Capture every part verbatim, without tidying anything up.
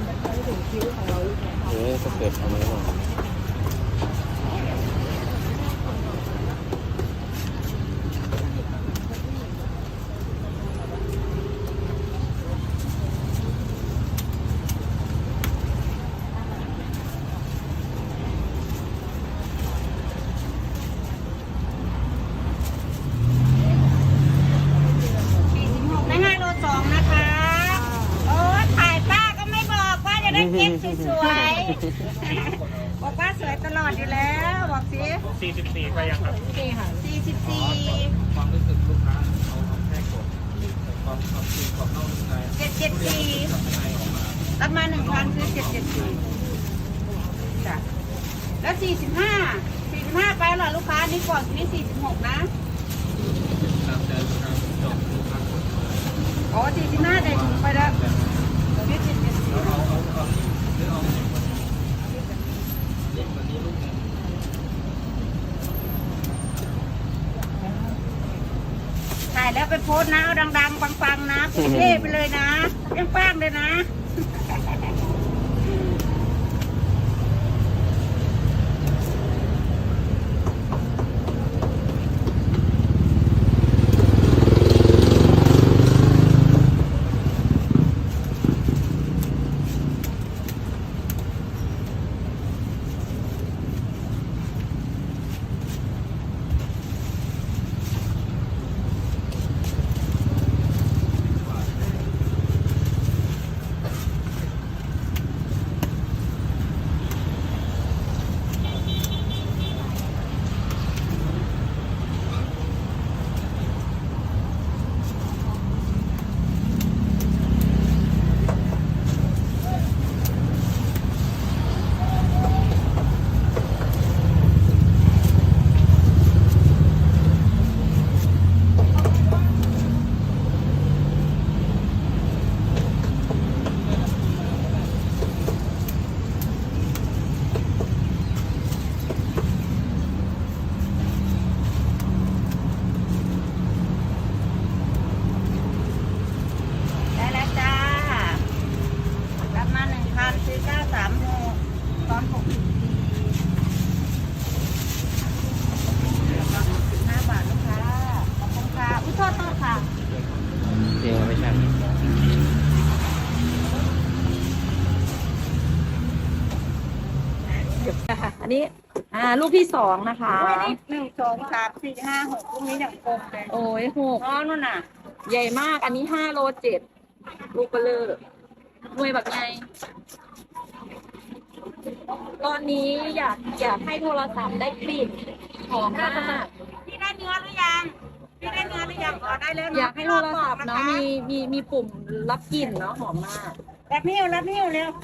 เออสเต็ปเอาไหมล่ะได้ห้าโลสองนะคะโอ้ถ่ายป้าก็ไม่บอกว่าจะได้เก็บสวยๆบอกว่าสวยตลอดอยู่แล้วบอกสิสี่สิบสี่ไปยังครับสี่ค่ะสี่สิบสี่ความรู้สึกลูกค้าเอาเอาแค่กดความความจริงความนอกในเจ็ดเจ็ดสี่รับมาหนึ่งพันคือเจ็ดเจ็ดสี่จ้ะแล้วสี่สิบห้าสี่สิบห้าไปเหรอลูกค้านี่ก่อนนี่สี่สิบหกนะอ๋อสี่สิบห้าได้ไปแล้วนี่เจ็ดเจ็ดสี่ถ่ายแล้วไปโพสต์นะเอาดังๆปังๆนะเท่ไปเลยนะยังแป้งเลยนะเองไม่ใช่อันนี้อ่าลูกที่สองนะคะหนึ่งสองสามสี่ห้าหกพวกนี้อย่างกลมเลยโอ้ยหกอ๋อนู่นน่ะใหญ่มากอันนี้ห้าโลเจ็ดลูกเบลอหน่วยแบบไงตอนนี้อยากอยากให้โทรศัพท์ได้กลิ่นหอมมากพี่ได้เนื้อหรือยังพี่ได้เนื้อหรือยังอ๋อได้แล้วอยากให้โทรศัพท์เนาะมีมีมีปุ่มรับกลิ่นเนาะหอมมากรับนิ้วรับนิ้วเร็ว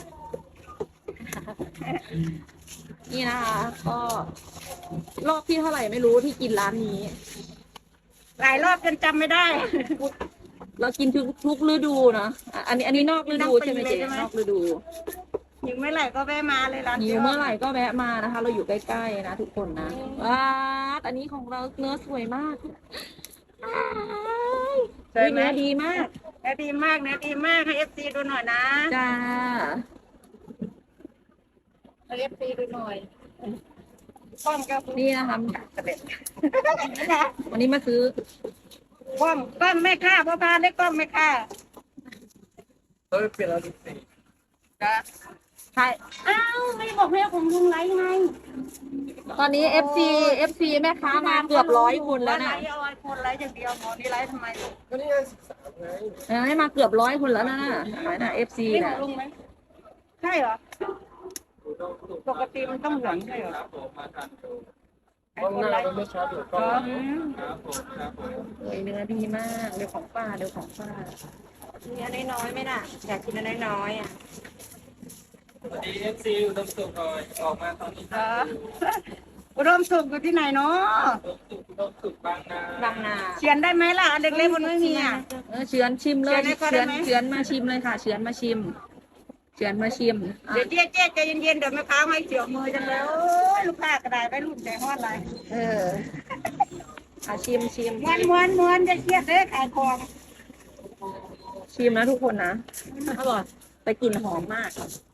นี่นะคะก็รอบที่เท่าไหร่ไม่รู้ที่กินร้านนี้หลายรอบจนจำไม่ได้เรากินทุกทุกฤดูนะอ่ะอันนี้อันนี้นอกฤดูใช่ไหมเจ๊นอกฤดูหิวเมื่อไหร่ก็แวะมาเลยร้านหิวเมื่อไหร่ก็แวะมานะคะ เราอยู่ใกล้ๆนะทุกคนนะว้าอันนี้ของเราเนื้อสวยมากเนื้อดีมากเนื้อดีมากเนื้อดีมากให้เอฟซีดูหน่อยนะจ้าให้เอฟซีดูหน่อยกล้องก็นี่นะคะเสด็จวันนี้มาซื้อกล้องกล้องไม่ค่าพ่อพาได้กล้องไม่ค่าเฮ้ยเปลี่ยนแล้วดิสิจ้ะใช่อ้าวไม่บอกแม่ของลุงไรไงตอนนี้ เอฟ ซี เอฟ ซี แม่ค้ามาเกือบร้อยคนแล้วนะไลฟ์เอาไอโฟนไลฟ์อย่างเดียวหมอนี่ไลฟ์ทำไมลูกก็นี่ไงสิบสามไงเออให้มาเกือบร้อยคนแล้วนะน่ะหมายนะ เอฟ ซีนี่ขอนะงลุงไหมใช่เหรอปกติมันต้องเหลืองใช่เหรอครับผมมาทานดูไอโฟนไลฟ์ไม่ชัดหรือก็อ๋อครับผมครับผมสวยเนื้อดีมากเดี๋ยวของป้าเดี๋ยวของป้ามีอันน้อยๆไหมน่ะอยากกินอันน้อยๆอ่ะสวัสดีเอฟซีอุดมสุขหน่อยออกมาตอนนี้เอออุดมสุขอยู่ที่ไหนเนาะอุดมสุขอุดมสุขบางนาบางนาเขียนได้ไหมล่ะอันเล็กๆมันไม่มีอ่ะเออเฉือนชิมเลยเฉือนให้เขาได้เฉือนไหมเฉือนมาชิมเลยค่ะเฉือนมาชิมเฉือนมาชิมอ่ะเดี๋ยวเจ๊เจ๊ใจเย็นๆเดี๋ยวแม่ค้าไม่เสียวมือจังเลยโอ้ยลูกค้ากระไดไปรุ่นใจฮอดไรเอออ่ะชิมชิมม้วนม้วนม้วนจะเครียดเลยขายของชิมนะทุกคนนะอร่อยแต่แต่กลิ่นหอมมาก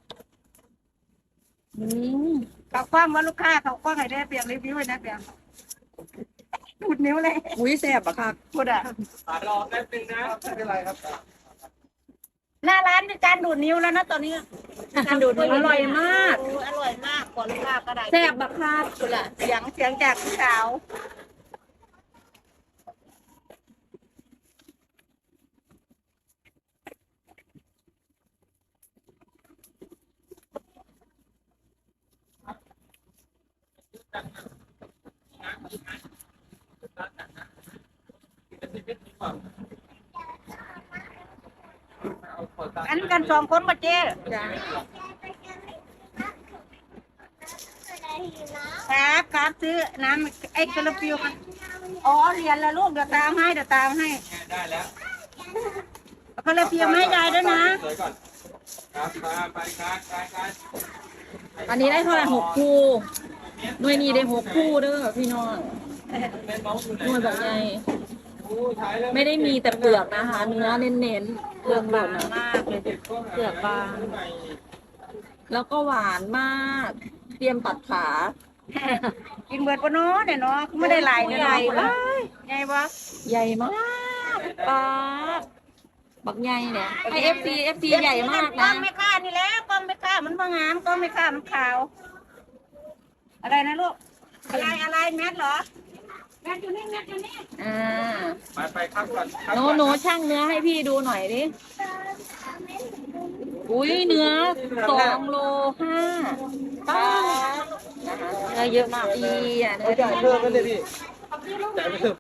อืมเขาคว้างว่าลูกค้าเขาคว้างให้ได้เปลี่ยนรีวิวเลยนะเปลี่ยนดูดนิ้วเลยอุ้ยแซ่บอะค่ะพูดอ่ะรอแป๊บนึงนะไม่เป็นไรครับหน้าร้านมีการดูดนิ้วแล้วนะตอนนี้ดูดนิ้วอร่อยมากโอ้อร่อยมากกว่าลูกค้าก็ได้แซ่บอะค่ะพูดอ่ะเสียงเสียงจากพี่สาว อันกันสองคนมาเจ๊จ้าครับครับซื้อน้ำไอ้กระปิวมาอ๋อเรียนแล้วลูกเดี๋ยวตามให้เดี๋ยวตามให้ได้แล้วเอากระปิวมาให้ยายด้วยนะสวยก่อนครับมาไปครับไปครับอันนี้ได้เท่าไหร่หกคู่หน่วยนี้ได้หกคู่เด้อพี่น้องเป็นเมาส์อยู่ไหนหน่วยบอกไงโอ้ใช้แล้วไม่ได้มีแต่เปลือกนะคะ เนื้อเน้นๆเปลือกบางมากเลย เปลือกบาง แล้วก็หวานมาก เตรียมตัดขากินเบิดปะเนาะเนี่ยเนาะไม่ได้หลายเนี่ยใหญ่เนาะมากใหญ่ปะใหญ่มากปลาบักใหญ่เนี่ยให้เอฟซีเอฟซีใหญ่มากกล้อนะงไม่ค่านี่แหละกล้องไม่ค่ามันบางงามกล้องไม่ค่ามันขาว อะไรนะลูกอะไรอะไรแมทเหรอแมทอยู่นี่แมทอยู่นี่อ่าไปไปครับก่อนครับโนก่อนโนช่างเนื้อให้พี่ดูหน่อยดิ อุ้ยเนื้อสองโลห้าป้านะคะเนื้อเยอะมากดีอ่ะเนื้อจ่ายเพิ่มกันเลยพี่จ่ายเพิ่ม